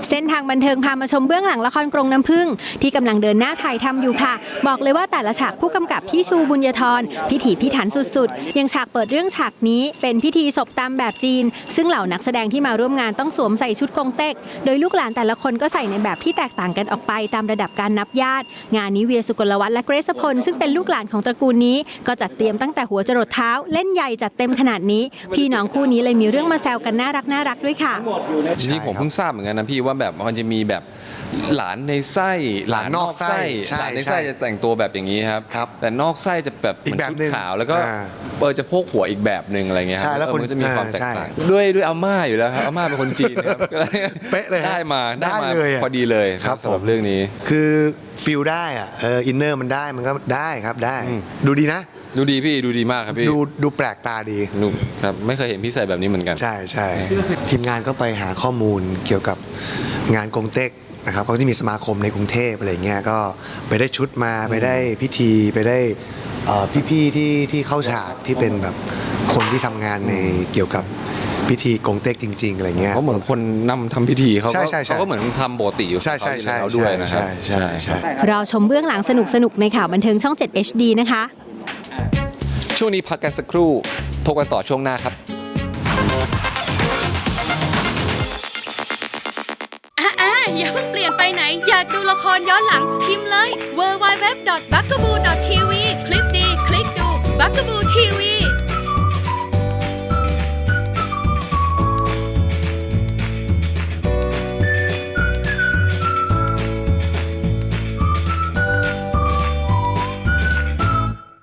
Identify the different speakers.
Speaker 1: เส้นทางบันเทิงพามาชมเบื้องหลังละครกรงน้ำผึ้งที่กำลังเดินหน้าถ่ายทำอยู่ค่ะบอกเลยว่าแต่ละฉากผู้กำกับพี่ชูบุญยธรพิถีพิถันสุดๆอย่างฉากเปิดเรื่องฉากนี้เป็นพิธีศพตามแบบจีนซึ่งเหล่านักแสดงที่มาร่วมงานต้องสวมใส่ชุดกงเต็กโดยลูกหลานแต่ละคนก็ใส่ในแบบที่แตกต่างกันออกไปตามระดับการนับญาติงานนี้เวียสุกลวัฒน์และเกรซพลซึ่งเป็นลูกหลานของตระกูลนี้ก็จัดเตรียมตั้งแต่หัวจรดเท้าเล่นใหญ่จัดเต็มขนาดนี้พี่น้องคู่นี้เลยมีเรื่องมาแซวกันน่ารักด้วยค่ะ
Speaker 2: จริงๆผมเพิ่งทราบเหมือนกันนะพี่ว่าแบบมันจะมีแบบหลานในไส้หลานนอกไส้หลานในไส้จะแต่งตัวแบบอย่างนี้ครับแต่นอกไส้จะแบบเหมือนชุดขาวแล้วก็จะโพกหัวอีกแบบหนึ่งอะไรเงี้ยครับแล้วมันจะมีความแตกต่างด้วยอาม่าอยู่แล้วครับอาม่าเป็นคนจีนครับ
Speaker 3: เป๊ะเลย
Speaker 2: ได้มาพอดีเลยครับสำหรับเรื่องนี้
Speaker 3: คือฟิลได้อะอินเนอร์มันได้มันก็ได้ครับได้ดูดีนะ
Speaker 2: ดูดีพี่ดูดีมากครับพี่
Speaker 3: ดูแปลกตาดี
Speaker 2: ครับไม่เคยเห็นพี่ใส่แบบนี้เหมือนกัน
Speaker 3: ใช่ทีมงานก็ไปหาข้อมูลเกี่ยวกับงานกงเต็กนะครับเขาจะมีสมาคมในกรุงเทพอะไรเงี้ยก็ไปได้ชุดมาไปได้พิธีไปได้พี่ๆที่เข้าฉากที่เป็นแบบคนที่ทำงานในเกี่ยวกับพิธีกงเต็กจริงๆอะไรเงี้ย
Speaker 2: เขาเหมือนคนนำทำพิธีเขาก็เหมือนทำปกติอยู่
Speaker 3: ใช่
Speaker 2: แล้วด้วยนะครับ
Speaker 3: ใช่
Speaker 1: รอชมเบื้องหลังสนุกในข่าวบันเทิงช่อง 7 HD นะคะ
Speaker 2: ช่วงนี้พักกันสักครู่พบกันต่อช่วงหน้าครับ
Speaker 4: อย่าเพิ่งเปลี่ยนไปไหนอยากดูละครย้อนหลังพิมพ์เลย www.bugaboo.tv คลิกดีคลิกดู Bugaboo